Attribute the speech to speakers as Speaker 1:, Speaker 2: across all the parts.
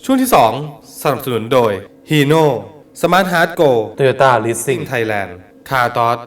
Speaker 1: ช่วงที่ 2 สนับสนุนโดย Hino Smart Heart Go
Speaker 2: Toyota Leasing
Speaker 1: Thailand Car t o s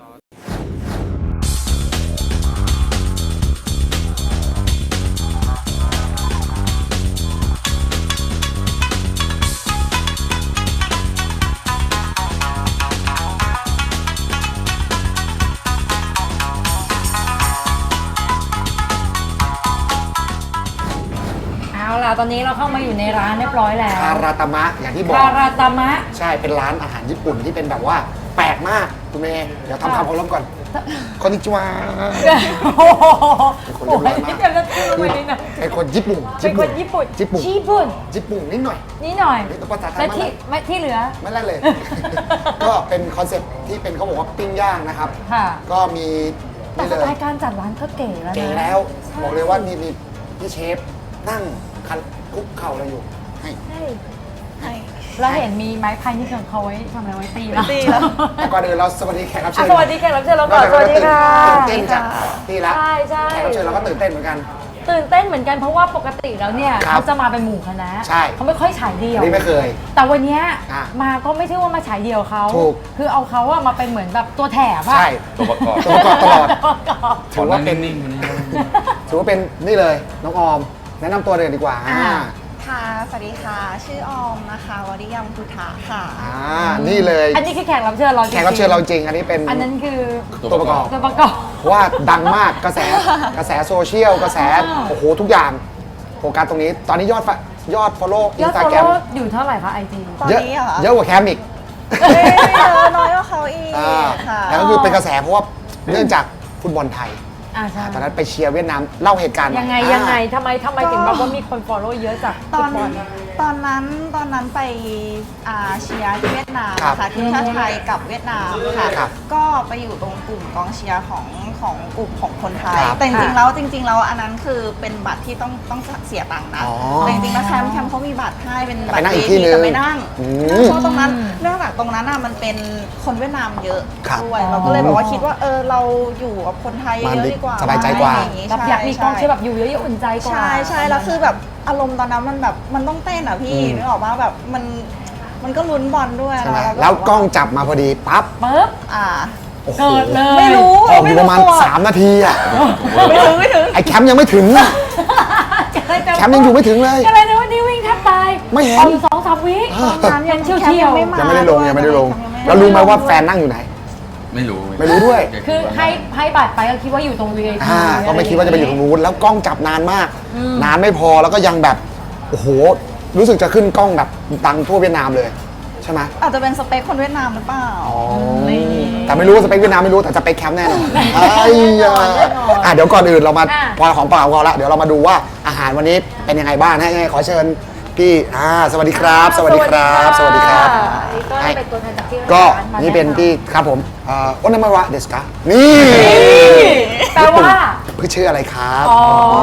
Speaker 3: เอาล่ะตอนนี้เราเข้ามาอยู่ในร้านเรียบร้อยแล้ว
Speaker 4: คาราตามะอย่างที่บอก
Speaker 3: คาราตามะ
Speaker 4: ใช่เป็นร้านอาหารญี่ปุ่นที่เป็นแบบว่าแปลกมากคุณเมย์เดี๋ยวทำความเคารพก่อนคอนนิจิวา
Speaker 3: โอ้โห
Speaker 4: เป็นคนเรียบร้อยมาก
Speaker 3: นี่จะพูดไปนิดหน่อย
Speaker 4: เป็นคนญี่ปุ่น
Speaker 3: เป็นคนญี่ปุ่น
Speaker 4: ญี่ปุ่น
Speaker 3: ญี่ปุ่น
Speaker 4: ญี่ปุ่นนิดหน่อย
Speaker 3: นี่หน่อย
Speaker 4: นี่ภาษาไทย
Speaker 3: และ
Speaker 4: มาก
Speaker 3: ที่
Speaker 4: นะ
Speaker 3: ไม่ที่เหลือ
Speaker 4: ไม่เล่นเลย ก็เป็นคอนเซ็ปต์ที่เป็นเขาบอกว่าปิ้งย่างนะครับ
Speaker 3: ค่ะ
Speaker 4: ก็มี
Speaker 3: แต่
Speaker 4: นี่
Speaker 3: ส
Speaker 4: เล
Speaker 3: ไต
Speaker 4: ย
Speaker 3: ล์การจัดร้านก็เก๋แล้วนะ
Speaker 4: เก๋แล้วบอกเลยว่ามีพี่เชฟนั่งคันคุกเข่าอะไรอยู่ให้
Speaker 3: เราเห็นมีไม้พายนี่ของเขาไว้ทำอะไรไว้ตีแล้ว
Speaker 4: แต่ก่อนอื่นเราสวัสดีแขกรับเชิญ
Speaker 3: สวัสดีแขกรับเชิญเราก่อนสวัสดีค่ะ
Speaker 4: ตื่นเต้นจากที่ละ
Speaker 3: ใช่ใช่
Speaker 4: แขกรับเชิญเราก็ตื่นเต้นเหมือนกัน
Speaker 3: ตื่นเต้นเหมือนกันเพราะว่าปกติแล้วเนี่ย
Speaker 4: ครับ
Speaker 3: เขาจะมาเป็นหมู่คณะ
Speaker 4: ใช่
Speaker 3: เขาไม่ค่อยฉายเดียว
Speaker 4: นี่ไม่เคย
Speaker 3: แต่วันเนี้ย
Speaker 4: อ่ะ
Speaker 3: มาก็ไม่ใช่ว่ามาฉายเดียวเขา
Speaker 4: ถูก
Speaker 3: คือเอาเขาอะมาเป็นเหมือนแบบตัวแถบอะ
Speaker 4: ใช่
Speaker 2: ตัวประกอบ
Speaker 4: ตัวประกอบตลอด
Speaker 3: ตัวประกอบ
Speaker 4: ถือว่าเป็น
Speaker 2: นิ่งๆวันนี้
Speaker 4: ถือว่าเป็นนี่เลยน้องออม แนะนำตัวเลยดีกว่า
Speaker 5: ค่ะ สวัสดีค่ะ ชื่อออมนะคะวริยมพุทธะค่ะ
Speaker 4: นี่เลย
Speaker 3: อันนี้คือแขกรับเชิญเราจงๆ
Speaker 4: แขกรับเชิญเราจริง อันนี้เป็น
Speaker 3: อันนั้นคือ
Speaker 4: ตัวประกอบ
Speaker 3: ตัวประกอบ
Speaker 4: เพราะว่าดังมากกระแสโซเชียลกระแสโอ้โหทุกอย่างโฟกัสตรงนี้ตอนนี้ยอด follow
Speaker 3: ยอด
Speaker 4: Instagram
Speaker 3: ฟอลโล่อยู่เท่าไหร่คะไอจี
Speaker 5: ตอน
Speaker 4: เยอะ
Speaker 5: นี้เหรอคะ
Speaker 4: เยอะกว่าแคมอีก
Speaker 5: ไม่เยอะน้อยกว่าเขาอีกค่ะ
Speaker 4: แล้วก็คือเป็นกระแสเพราะว่าเนื่องจากฟุตบอลไทย
Speaker 3: ใช่
Speaker 4: ตอนนั้นไปเชียร์เวียดนามเล่าเหตุการณ์
Speaker 3: ยังไง
Speaker 4: อ่า
Speaker 3: ยังไงทำไมถึงแบบว่ามีคนฟอลโล่เยอะจาก
Speaker 5: ต
Speaker 3: ฟุ
Speaker 5: อน
Speaker 3: ตบอล
Speaker 5: ตอนนั้นไปเชียร์ที่เวียดนาม
Speaker 4: ครับ
Speaker 5: ค่ะทีมชาติไทยกับเวียดนามค่ะ
Speaker 4: ครับ
Speaker 5: ก็ไปอยู่ตรงกลุ่มกองเชียร์ของกลุ่มของคนไทย
Speaker 4: ครับ
Speaker 5: แต่จริงๆแล้วอันนั้นคือเป็นบัตรที่ต้องเสียตังค์นะ
Speaker 4: อ๋อ
Speaker 5: แต่จริงๆแล้วแคมป์เขามีบัตรให้เป็นบั
Speaker 4: ไป
Speaker 5: ตร
Speaker 4: นั่งอีกที่นึง
Speaker 5: แต่ไม่นั่ง
Speaker 4: อืม
Speaker 5: เพราะตรงนั้นเนื่องจากตรงนั้นน่ะมันเป็นคนเวียดนามเยอะ
Speaker 4: ครับ
Speaker 5: ด้วยเราก็เลยแบบว่าคิดว่าเราอยู่กับคนไทยเยอะดีกว่า
Speaker 4: สบายใจกว่า
Speaker 5: อะไรอย่งงี้
Speaker 3: แบบอยากมีกองเชียร์แบบอยู่เยอะๆอุ่นใจกว่า
Speaker 5: ใช่แล้วคือแบบอารมณ์ตอนนั้นมันแบบมันต้องเต้นอ่ะพี่นึกออกว่าแบบมันก็ลุ้นบอลด้วย
Speaker 4: ใช่ไหม
Speaker 5: เนาะ
Speaker 4: แล้วกล้องจับมาพอดีปั๊บ
Speaker 3: ปึ๊บ
Speaker 4: โอ้โห
Speaker 3: เกิดเลย
Speaker 5: ไม่รู้
Speaker 4: ออกอยู่ประมาณ 3 นาทีอ่ะ
Speaker 5: ไม่ถึง
Speaker 4: ไอ้แคมป์ยังไม่ถึงอ่ะแคมป์ยังอยู่ไม่ถึงเลย
Speaker 3: อะไรนะวันนี้วิ่งแทบตาย
Speaker 4: ไม่เห็น
Speaker 3: อาอยู่2-3 วิ
Speaker 5: ตอนนั้น
Speaker 3: ยังเชี่ยว
Speaker 5: แคมป์ยังไม่มา
Speaker 4: ยังไม่ได้ลงยังไม่ได้ลง
Speaker 5: แคมป์ยังไม่
Speaker 4: แล้วรู้ไหมว่าแฟนนั่งอยู่ไหน
Speaker 2: ไม่รู้
Speaker 4: ไม่รู้ด้วย
Speaker 3: คือให้บัตรไปก็คิดว่าอยู่ตรง VIP
Speaker 4: ก็ไม่คิดว่าจะไปอยู่ตรงนู้นแล้วกล้องจับนานมาก นานไม่พอแล้วก็ยังแบบโอ้โหรู้สึกจะขึ้นกล้องแบบดังทั่วเวียดนามเลยใช่ไหม
Speaker 5: อาจจะเป็นสเปคคนเวียดนามหรือเปล่า
Speaker 4: แต่ไม่รู้ว่าสเปคเวียดนามไม่รู้แต่สเปคแคมป์แน่นอนไอ้ยาอ่ะเดี๋ยวก่อนอื่นเรามาพอของเปล่าเราละเดี๋ยวเรามาดูว่าอาหารวันนี้เป็นยังไงบ้างให้ขอเชิญพี่สวัสดีครับ สวัสดีครับ สวัสดีครับ
Speaker 3: นี่ก็เป็นตัวแทนจากที่
Speaker 4: ก็
Speaker 3: ร้ามา
Speaker 4: นี่เป็น
Speaker 3: แะำ
Speaker 4: ที่ครับผมโอนามาระเดสกานี่
Speaker 3: แปลว่า
Speaker 4: พี่ชื่ออะไรครับ
Speaker 3: อ๋อ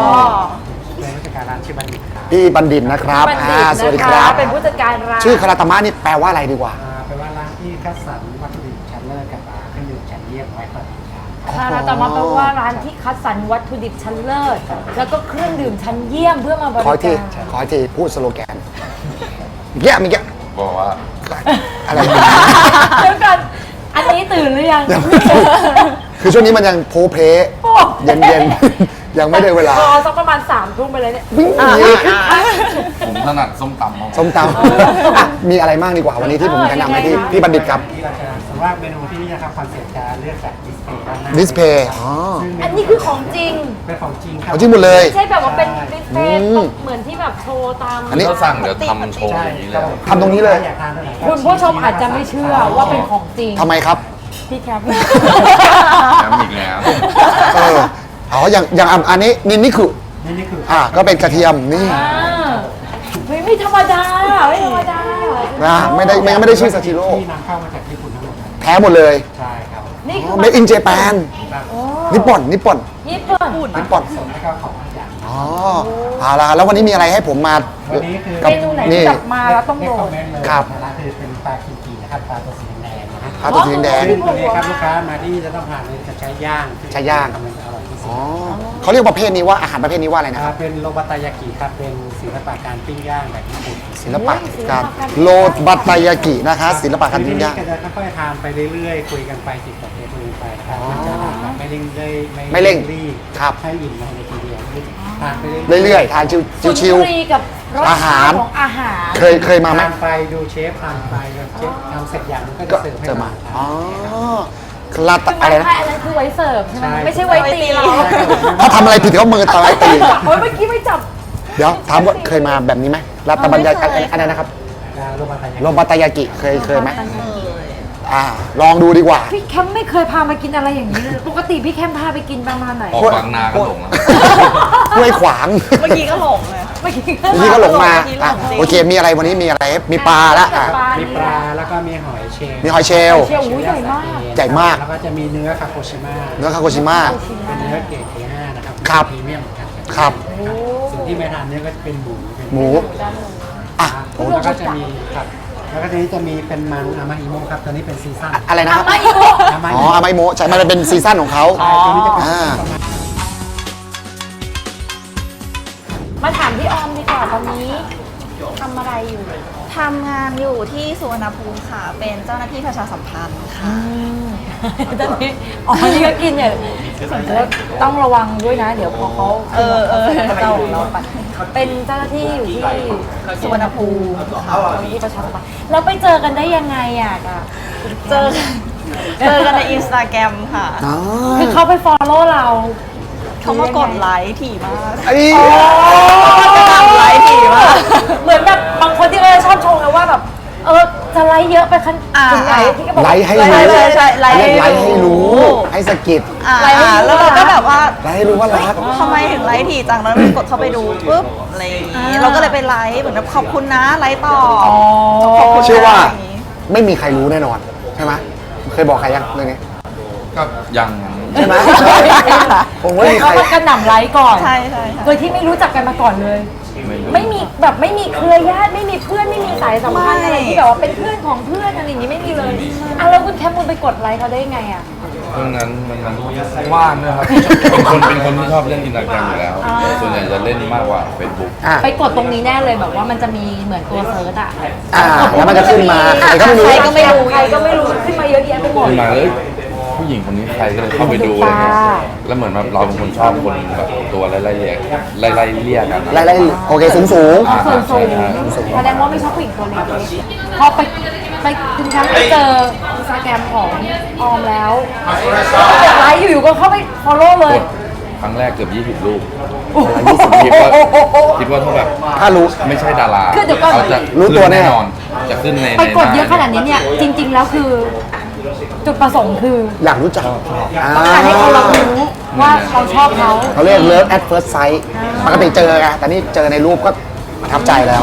Speaker 4: พี่บัณฑิตนะครับ
Speaker 3: บัณฑิต
Speaker 4: สวัสดี
Speaker 3: นะ
Speaker 4: ครั
Speaker 3: คะ
Speaker 4: บ
Speaker 3: เป็นผู้จัดการร้าน
Speaker 4: ชื่อคาราตามะนี่แปลว่าอะไรดีกว่า
Speaker 6: แปลว่าร้านที่คัดสรรวัตถุดิบชั้นเลิศกับเครื่องดื่มชั้นเยี่ยมไว้เปิดบริการ
Speaker 3: คาราตามะแปลว่าร้านที่คัดสรรวัตถุดิบชั้นเลิศแล้วก็เครื่องดื่มชั้นเยี่ยมเพื่อมาบริ
Speaker 4: ขออีกที
Speaker 3: การ
Speaker 4: ขออีกทีพูดสโลแกนเยี่ยมเยี่ยม
Speaker 2: บอกว่า
Speaker 4: อะไร
Speaker 3: เดี๋ยวก่อนอันนี้ตื่นหรือยัง
Speaker 4: คือช่วงนี้มันยังโพเพล
Speaker 3: โอ้
Speaker 4: เย็นเย็นๆ ยังไม่ได้เวลา
Speaker 3: พอสักประมาณ3 ทุ่มไปเลยเนี่ย
Speaker 4: วิ่งหนี
Speaker 2: ผมถนัดส้มตำมาก
Speaker 4: ส้มตำอ่ะมีอะไรบ้างดีกว่าวันนี้ที่ผมแนะนำให้พี่บัณฑิตครับ
Speaker 6: ที่เราจะสำหรับเมนูที่นี่นะครับคอนเซ็ปต์จะเลือกจากดิสเพย์ด้านหน้า
Speaker 4: ดิสเพย์อ๋อ
Speaker 6: ซึ่งเม
Speaker 3: อันนี้คือของจริง
Speaker 6: เป็นของจริงครับ
Speaker 4: เอาจริงหมดเลย
Speaker 3: ไม่ใช่แบบว่าเป็นดิสเพลย์
Speaker 4: อืม
Speaker 3: เหมือนที่แบบโชว์ตาม
Speaker 4: อันนี้
Speaker 2: ถ้าสั่งเดี๋ยวทำโชว์อย่างนี้เลย
Speaker 4: ทำตรงนี้เลย
Speaker 6: อยากทานตัวไหนก็
Speaker 3: คุณผู้ชมอาจจะไม่เชื่อว่าเป็นของจริง
Speaker 4: ทำไมครับ
Speaker 3: พี่แคป
Speaker 2: แล้วอีกแล้ว
Speaker 4: เอออ๋ออย่างอันนี้นี่คือ
Speaker 6: นี่คือ
Speaker 4: ก็เป็นกระเทียมนี่
Speaker 3: ไม่ธรรมดาไม่ธรรมดา
Speaker 4: นะไม่ได้ชื่อซาชิโร่
Speaker 6: ที่นำเข้ามาจากญี่ปุ่นทั้งหมดครับ
Speaker 4: แท้หมดเลย
Speaker 6: ใช่ครับ
Speaker 3: นี่คือ
Speaker 4: เมดอินเจแปน
Speaker 3: โอ้
Speaker 4: นิปปอน
Speaker 3: ญี่ปุ่น
Speaker 4: นิปปอน
Speaker 6: ส่วนแล้วก็ของอย่าง
Speaker 4: อ๋อเอาละแล้ววันนี้มีอะไรให้ผมมา
Speaker 6: วันนี้คือ
Speaker 3: เมนูไหนที่จับมาแล้วต้อง
Speaker 6: เรี
Speaker 3: โด
Speaker 6: ยกคอน มเมนต์เลย
Speaker 4: ครับ
Speaker 6: นะร้านคือเป็นปลาคิกินะครับปลาตัวสีแดงนะฮะ
Speaker 4: ปลาตัวสีแดง
Speaker 6: ซึ่งตัวนี้ครับลูกค้ามาที่จะต้องทานเลยจะใช้ย่าง
Speaker 4: ใช้ย่าง
Speaker 6: มันจะอร่อยที่สุด
Speaker 4: อ๋อเขาเรียกประเภทนี้ว่าอาหารประเภทนี้ว่าอะไรนะครับ
Speaker 6: เป็นโรบัตายากิครับเป็นศิลปะการปิ้งย่างแบบญี่ปุ่น
Speaker 4: ศิลปะการโรบัตายากินะคะศิลปะการ
Speaker 6: ที
Speaker 4: ปิ้ง
Speaker 6: นี้
Speaker 4: ย่าง
Speaker 6: ก็จะค่อยๆทานไปเรื่อยๆคุยกันไปติดต่อคุยกันไปนะครับมันจะทานแบบไม่เร่งรีบ
Speaker 4: ไม่เร่ง
Speaker 6: รีบ
Speaker 4: ครับ
Speaker 6: ให้อิ่มในทีเดียวทานไปเรื่อยๆ
Speaker 4: เรื่อยๆทานชิว
Speaker 3: สุน
Speaker 4: ชิว
Speaker 3: ทรีกับรส
Speaker 4: อาหา
Speaker 3: ชาร ติของอาหาร
Speaker 4: เคยมาไหม
Speaker 6: ทานไปดูเชฟทานไปแบบเชฟทำเสร็จอย่างมันก็
Speaker 4: ก็
Speaker 6: จะเสิร์ฟให้
Speaker 4: จะ
Speaker 6: เรา
Speaker 4: มา
Speaker 6: ทาน
Speaker 4: อ๋อลาต
Speaker 3: คือ
Speaker 4: อะไรนะ
Speaker 3: ไม่อันนั้นคือไว้เสิร์ฟใช่ไหม
Speaker 6: ใช่
Speaker 3: ไม่ใช่ไว้ตีเรา
Speaker 4: ถ้าทำอะไรผิดเขามือตายตี
Speaker 3: โอ้ยเมื่อกี้ไม่จับ
Speaker 4: เดี๋ยวถามว่าเคยมาแบบนี้ไหมลาตบัญญัติอะไรนะครับ
Speaker 6: โรบัตายากิ
Speaker 4: โรบัตายากิเคยไหมลองดูดีกว่า
Speaker 3: พี่แคมไม่เคยพามากินอะไรอย่างนี้เลยปกติพี่แคมพาไปกินประมาณไหน
Speaker 2: ออกบางนาก็หลงแล้ว
Speaker 4: ห้วยขวาง
Speaker 5: เมื่อกี้ก็หลงเลย
Speaker 3: เมื่อกี้
Speaker 4: นี่ก็หลงมา
Speaker 5: หลงจริง
Speaker 4: อ่ะโอเคมีอะไรวันนี้มีอะไรมีปลาละอ่ะ
Speaker 6: มีปลาแล้วก็มีหอยเชลล์
Speaker 4: มีหอยเชลล์
Speaker 3: เชียวหูใหญ่มาก
Speaker 4: ใหญ่มาก
Speaker 6: แล้วก็จะมีเนื้อคาโกชิมะ
Speaker 4: เนื้อคาโกชิมะ
Speaker 6: เป็นเนื้อเกรด A5 นะครับ
Speaker 4: ครับ
Speaker 6: พรีเมียมเหมือนกัน
Speaker 4: ครับ
Speaker 6: ส่วนที่ไม่ทานเนื้อก็จะเป็นหมูเป็น
Speaker 4: หมูอ่ะ
Speaker 6: แล้วก็จะมีครับแล้วก็ทีนี้จะมีเป็นมันอามาอิโมะครับตัวนี้เป็นซีซั่น
Speaker 4: อะไรนะครับ
Speaker 3: ไม่โก
Speaker 6: อามา
Speaker 4: อ๋
Speaker 6: อิ
Speaker 4: อ
Speaker 6: โมะ
Speaker 4: อาไมโมะใช่มันเป็นซีซั่นของเขา
Speaker 6: ใช่ตัวนี้จะเป็น
Speaker 4: อ่า
Speaker 3: มาถามพี่ออมดีกว่าตอนนี้ทำอะไรอยู่
Speaker 5: ทำงานอยู่ที่สุวรรณภูมิค่ะ เป็นเจ้าหน้าที่ประชาสัมพันธ์ค่ะ
Speaker 3: ตอนนี้อ๋อนี่ก็กินเนี่ยแล้วต้องระวังด้วยนะ เดี๋ยวพอเขาเจ้าของเราไปเป็นเจ้าหน้าที่อยู่ที่สุวรรณภูมิที่ประชาสัมพันธ์แล้วไปเจอกันได้ยังไงอ่ะ
Speaker 5: เจอกันในอินสตาแกรมค่ะ
Speaker 4: อ๋อ
Speaker 3: คือเขาไป follow เรา
Speaker 5: เขามากดไลค์ถี่มาก
Speaker 4: ไอ้
Speaker 5: กดไลค์ถี่มาก
Speaker 3: เหมือนแบบบางคนที่เขาจะชอบชมนะว่าแบบจะไลค์เยอะไปขั้นถึงไหนที่ก็บอก
Speaker 4: ไลค์ให้
Speaker 5: ใช่
Speaker 4: รู้
Speaker 5: ใช่ไลค์ให้
Speaker 4: ไลค์ให้รู้ ให้สะกิด
Speaker 3: ไลค์ให้รู้
Speaker 5: แล้วเราก็แบบว่า
Speaker 4: ไลค์ให้รู้ว่ารัก
Speaker 5: ทำไมถึงไลค์ถี่จังแล้วกดเข้าไปดูปุ๊บอะไรอย่างงี้เราก็เลยไปไลค์เหมือนแบบขอบคุณนะไลค์ต่อขอบคุณนะ
Speaker 4: เชื่อว่า
Speaker 5: ย่งงี้
Speaker 4: ไม่มีใครรู้แน่นอนใช่ไหมเคยบอกใครยังเรื่องนี้
Speaker 2: ก็ยัง
Speaker 4: ใช่ไหมผมว่ามีใคร
Speaker 3: เขามากระหน่ำไลค์ก่อน
Speaker 5: ใช่ใช่ค่ะ
Speaker 3: โดยที่ไม่รู้จักกันมาก่อนเลย ไม่มีแบบไม่มีเครือญาติไม่มีเพื่อนไม่มีสายสัมพันธ์อะไรที่แบบว่าเป็นเพื่อนของเพื่อนอะไรอย่างนี้ไม่มีเลยอ่ะแล้วคุณแคมป์คุณไปกดไลค์เขาได้ไงอ่ะ
Speaker 2: เพราะนั้นมันว่างนะครับ เป็นคนที่ชอบเล่นอินสตาแกรมอยู่แล้ว ส่วนใหญ่จะเล่นมากกว่า Facebook
Speaker 4: อ่ะ
Speaker 3: ไปกดตรงนี้แน่เลยแบบว่ามันจะมีเหมือนตัวเซิร์ชอ่ะ
Speaker 4: แล้วมันจะขึ้นมาใครก็ไม่รู้
Speaker 3: ใครก็ไม่รู้ใครก็ไม่รู้ขึ้นมาเยอะแยะไปหมด
Speaker 2: ขึ้นมาเลยผู้หญิงคนนี้ใครก็เลยเข้าไปดูอะไรเงี้ยแล้วเหมือนแบบเราเป็นคนชอบคนแบบตัวไล่ๆเรียกไล่ๆเรียกกัน
Speaker 4: ไล่โอเคสูงสูง
Speaker 3: ส่วนสูง
Speaker 2: ใช่ใช่
Speaker 3: แสดงว่าไม่ชอบผู้หญิงตัวเล็กพอไปคุณแคมป์ไปเจออินสตาแกรมของออมแล้วไลค์อยู่ๆก็เข้าไป follow เลย
Speaker 2: ครั้งแรกเกือบ20 รูปคิดว่าถ้าแบบ
Speaker 4: ถ้ารู้
Speaker 2: ไม่ใช่ดารา
Speaker 3: คือเดี๋ยวก่อน
Speaker 2: เขาจะ
Speaker 4: รู้ตัวแน่
Speaker 2: นอน จะขึ้นใน
Speaker 3: ไปกดเยอะ
Speaker 2: ห
Speaker 3: ขนาดนี้เนี่ยจริง ๆ แล้วคือ จุดประสงค์คือ
Speaker 4: อยากรู้จัก
Speaker 3: ต้องการให้เขารับรู้ว่าเราชอบเขา
Speaker 4: เขาเรียก love at first sight ปกติเจอไงแต่นี่เจอในรูปก็ประทับใจแล้ว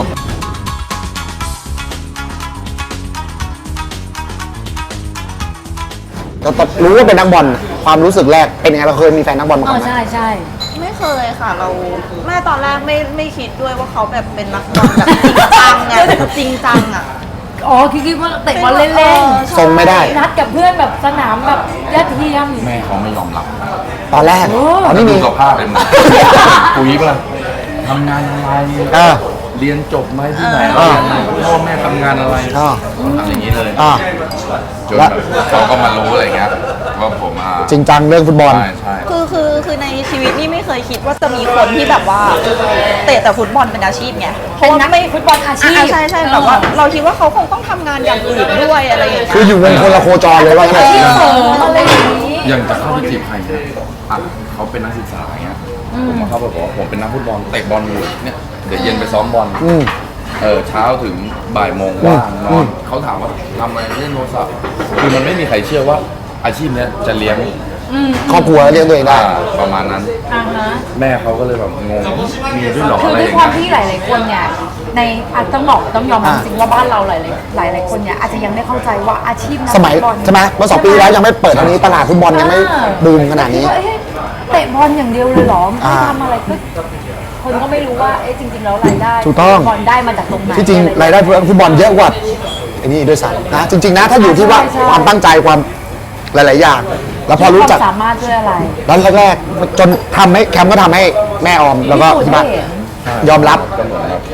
Speaker 4: เรารู้ว่าเป็นนักบอลความรู้สึกแรกเป็นยังไงเราเคยมีแฟนนักบอลมาก่อนไหม
Speaker 3: ใช่
Speaker 5: ไม่เคยค่ะเราแม่ตอนแรกไม่คิดด้วยว่าเขาแบบเป็นนักบอลแบบจริงจังไงจริงจังอ่ะ
Speaker 3: อ๋อคิดว่าเตะบอลเล่น
Speaker 4: ทรงไม่ได้
Speaker 3: ๆนัดกับเพื่อนแบบสนามแบบยอดเยี่ยม
Speaker 2: แม่เขาไม่ยอมรับ
Speaker 4: ตอนแรกตอนนี้
Speaker 2: ดู
Speaker 4: มี
Speaker 2: สภาพเลยมันปุ๋ยปะล่ะทำงานอะไร
Speaker 4: อ่า
Speaker 2: เรียนจบไหมที่ไหน
Speaker 4: อ่า
Speaker 2: พ่อแม่ทำงานอะไร
Speaker 4: อ่า
Speaker 2: ทำอย่างนี้เลย
Speaker 4: อ่า
Speaker 2: จนแบบเขาก็มารู้อะไรเงี้ยว่าผมอ่ะ
Speaker 4: จริงจังเรื่องฟุตบอล
Speaker 2: ใช่ใช่
Speaker 5: คือในชีวิตนี่ไม่เคยคิดว่าจะมีคนที่แบบว่าเตะแต่ฟุตบอลเป็นอาชีพไง
Speaker 3: เป็นนักฟุตบอลอาชีพ
Speaker 5: ใช่แบบว่าเราคิดว่าเขาคงต้องทำงานอย่างอื่นด้วยอะไรอย่างเงี้ย
Speaker 4: คืออยู่วงคนละโคจรเลยว่างั้น
Speaker 3: อาชีพ
Speaker 4: เถ
Speaker 3: เสริ
Speaker 4: อะ
Speaker 3: มอะไรอย่างนี้
Speaker 2: ยังจะเข้าไปจีบใครเนี่ยอ่ะเขาเป็นนักศึกษาอย่างเงี้ยผมมาเข้าไปบอกว่าผมเป็นนักฟุตบอลเตะบอลอยู่เนี่ยเดี๋ยวเย็นไปซ้อมบอล
Speaker 4: อืม
Speaker 2: เช้าถึงบ่ายโมงว่างนอนเขาถามว่าทำอะไรเล่นโทรศัพท์คือมันไม่มีใครเชื่อว่าอาชีพเนี้ยจะเลี้ยง
Speaker 4: ครอบครัวเลี้ยงตัวเองได้
Speaker 2: ประมาณนั้น
Speaker 3: อ่าฮะ
Speaker 2: แม่เขาก็เลยแบบงงมีด้วยเหรอ
Speaker 3: คือ
Speaker 2: อะไร
Speaker 3: ด้
Speaker 2: อ
Speaker 3: วย
Speaker 2: ย่าง
Speaker 3: ความ
Speaker 2: เงี้ย
Speaker 3: ที่หลาย ๆ คนเนี่ยในต้องยอมรับจริงว่าบ้านเราหลายๆคนเนี่ยอาจจะยังไม่เข้าใจว่าอาชีพนัก
Speaker 4: สมัย
Speaker 3: ฟุตบอล
Speaker 4: ใช่ไหมเมื่อ2 ปีแล้วยังไม่เปิดอันนี้ตลาดฟุตบอลยังไม่บูมขนาดนี้
Speaker 3: คิว่เอ๊ะเตะบอลอย่างเดียวเลยเหรอไม่
Speaker 4: อ่า
Speaker 3: ทำอะไรก็คนก็ไม่รู้ว่าเอ๊ะจริง ๆ แล้วรายได้
Speaker 4: ถูกต้อง
Speaker 3: บอลได้มาจากตรงไหน
Speaker 4: ที่จริง
Speaker 3: อะ
Speaker 4: รายได้ฟุตบอลเยอะกว่าไอ้นี่ด้วยซ้ำนะจริง ๆ นะถ้าอยู่ที่ว่าความตั้งใจความหลาย ๆ อย่างแล้วพอรู้จัก
Speaker 3: ความสามารถด้วยอะไร
Speaker 4: แล้วแรกๆจนทำให้แคมก็ทำให้แม่ออมแล้วก็ที่บ้านยอมรับ
Speaker 2: ก็เหมือนครับ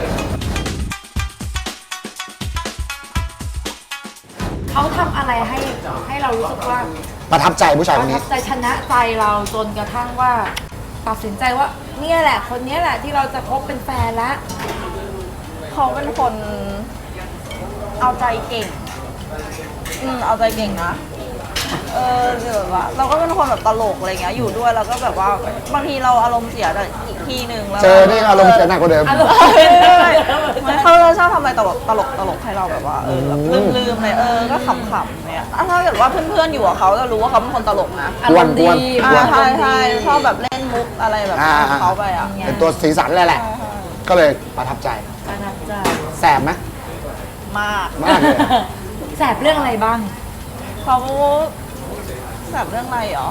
Speaker 3: เขาทำอะไรให้เรารู้สึกว่า
Speaker 4: ประทับใจผู้ชาย
Speaker 3: ป
Speaker 4: ค
Speaker 3: ระ
Speaker 4: น
Speaker 3: ทั
Speaker 4: นี้
Speaker 3: บใจชนะใจเราจนกระทั่งว่าตัดสินใจว่าเนี่ยแหละ คนเนี้ยแหละที่เราจะคบเป็นแฟนละ
Speaker 5: เขาเป็นคนเอาใจเก่ง เอาใจเก่งนะ เดี๋ยวว่าเราก็เป็นคนแบบตลกอะไรเงี้ย อยู่ด้วยเราก็แบบว่าบางทีเราอารมณ์เสียแต่อีกทีหนึ่งแล้ว
Speaker 4: เจอนี่อารมณ์เสียหนักกว่าเดิม
Speaker 3: อารมณ์
Speaker 5: ไม่เขาชอบทำอะไรตลกให้เราแบบว่าแบบลืมเลยก็ขำๆเนี่ยถ้าเกิดว่าเพื่อนๆอยู่กับเขาจะรู้ว่าเขาเป็นคนตลกนะ
Speaker 3: อารมณ์ดี
Speaker 4: กวน
Speaker 5: ใช่ชอบแบบเล่นมุกอะไรแบบของเขาไปอ่ะ
Speaker 4: เป็นตัวสีสันเลยแหละ ก็เลยประทับใจ
Speaker 3: ประทับใจ
Speaker 4: แสบไหม
Speaker 5: มาก
Speaker 4: มากเลย
Speaker 3: แสบเรื่องอะไรบ้าง
Speaker 5: เขาแบบเรื่องอะไรเหรอ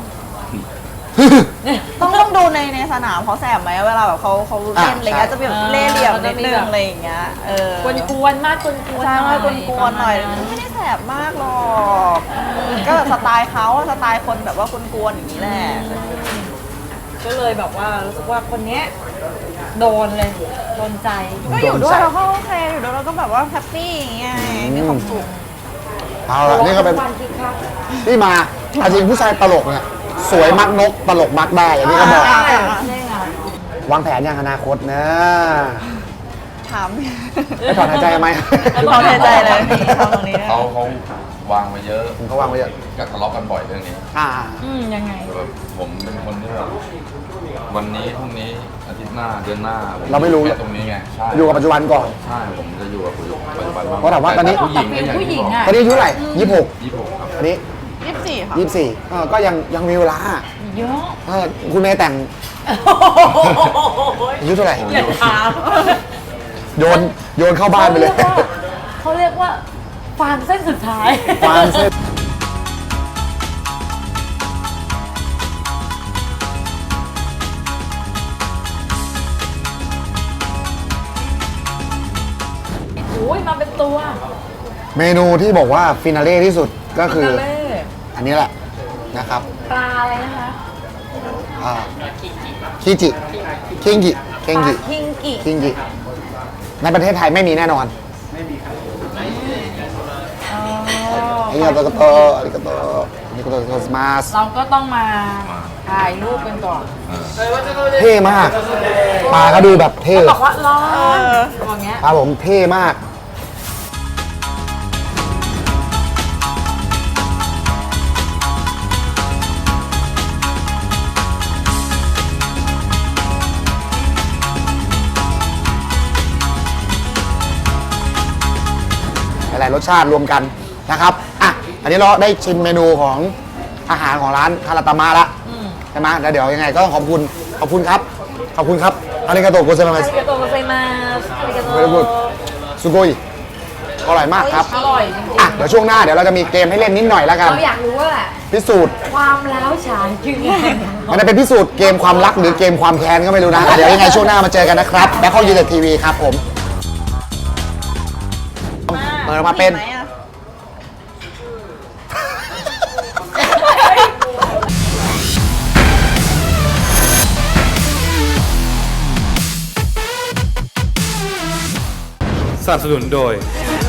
Speaker 5: ต้องดูในสนามเขาแสบไหมเวลาแบบเขาเล่นอะไรเงี้ยจะแบบเล่ห์เหลี่ยมนิดนึงอะไรอย่างเงี้ย
Speaker 3: กวนๆมากกวนๆ
Speaker 5: ใช่ว่ากวนๆหน่อยไม่ได้แสบมากหรอกก็แบบสไตล์เขาสไตล์คนแบบว่ากวนๆอย่างนี้แหละ
Speaker 3: ก็เลยแบบว่ารู้สึกว่าคนเนี้ยโดนเลยโดนใจ
Speaker 5: ก็อยู่ด้วยเราก็โอเคอยู่ด้วยเราก็แบบว่าแฮปปี้อย่างเงี้ยมีความสุข
Speaker 4: เอาละนี่ก็เป็น
Speaker 3: วันคิดครับ
Speaker 4: ที่มาเอาจริงผู้ชายตลกเนี่ยสวยมักนกตลกมักได้อย่างนี้ก็บอก
Speaker 3: ใช่ไง
Speaker 4: วางแผนอย่างอนาคตนะ
Speaker 5: ถาม
Speaker 4: ไม่ถอนหายใจไหม
Speaker 5: ถอนหายใจเลยทำตรงนี้
Speaker 2: เขาวางไว้เยอะ
Speaker 4: เขาวางไว้เยอะ
Speaker 2: ก็ทะเลาะกันบ่อยเรื่องนี้
Speaker 3: ยังไง
Speaker 2: แบบผมเป็นคนที่แบบวันนี้พรุ่งนี้อาทิตย์หน้าเดือนหน้าผ
Speaker 4: เราไม่รู้
Speaker 2: แค่ตรงนี้ไงใช่
Speaker 4: อยู่กับปัจจุบันก่อน
Speaker 2: ใช่ผมจะอยู่กับปัจจุบัน
Speaker 4: เพราะถามว่าตอนนี้
Speaker 2: ผู้หญิงก็อย่าง
Speaker 3: ผู้หญิ
Speaker 2: ที่
Speaker 3: ง
Speaker 2: บอก
Speaker 3: อะ
Speaker 4: ตอนนี้อายุเท่าไหร่26
Speaker 2: 26ครับ
Speaker 4: อันนี้
Speaker 5: 24ค่ะ
Speaker 4: 24ก็ยังมีเวลา
Speaker 3: เยอะ
Speaker 4: คุณเมย์แต่งอายุเท่าไหร่
Speaker 3: อย่าถาม
Speaker 4: โยนเข้าบ้านไปเลย
Speaker 3: เขาเรียกว่าฟางเส้นสุดท้าย
Speaker 4: ฟางเส้น
Speaker 3: โอ้ยมาเป็นตัว
Speaker 4: เมนูที่บอกว่าฟินาเล่ที่สุดก็คือ
Speaker 3: เล่
Speaker 4: อันนี้แหละนะครับ
Speaker 3: ปลาอะไรนะคะ
Speaker 4: คิจิคิงกิเคนกิ
Speaker 3: คิงกิ
Speaker 4: คิงกิในประเทศไทยไม่มีแน่นอนอาริกาโตโตอาริกาโตอาริกาโตโตสมาส
Speaker 3: เราก็ต้องมาถ่ายรูปกันก่อน
Speaker 4: เท่มากปลาก็ดูแบบเท่
Speaker 3: บอกว่าร้อนอย่างเงี้ย
Speaker 4: ปลาผมเท่มากหลายรสชาติรวมกันนะครับอ่ะอันนี้เราได้ชิมเมนูของอาหารของร้านคาราตามะละใช่ไหมแล้วเดี๋ยวยังไงก็ต้องขอบคุณครับอาริกาโตโกเซมา
Speaker 3: อาริกาโตโกไซมาสอาริกาโต
Speaker 4: Very good สุโกยอร่อยมากครับ
Speaker 3: อร่อยจริง
Speaker 4: อ่ะเดี๋ยวช่วงหน้าเดี๋ยวเราจะมีเกมให้เล่นนิดหน่อยแล้ว
Speaker 3: ๆ
Speaker 4: กัน
Speaker 3: เราอยากรู้ว่า
Speaker 4: พิสูจน์
Speaker 3: ความล้าวฉานคือไง
Speaker 4: มันจะเป็นพิสูจน์เกมความรักหรือเกมความแค้นก็ไม่รู้นะอ่ะเดี๋ยวยังไงช่วงหน้ามาเจอกันนะครับแบ็คฮอลยูเต็ดทีวีครับผมเปิดมาเป็น
Speaker 5: ไหมอะ
Speaker 1: สนับสนุนโดย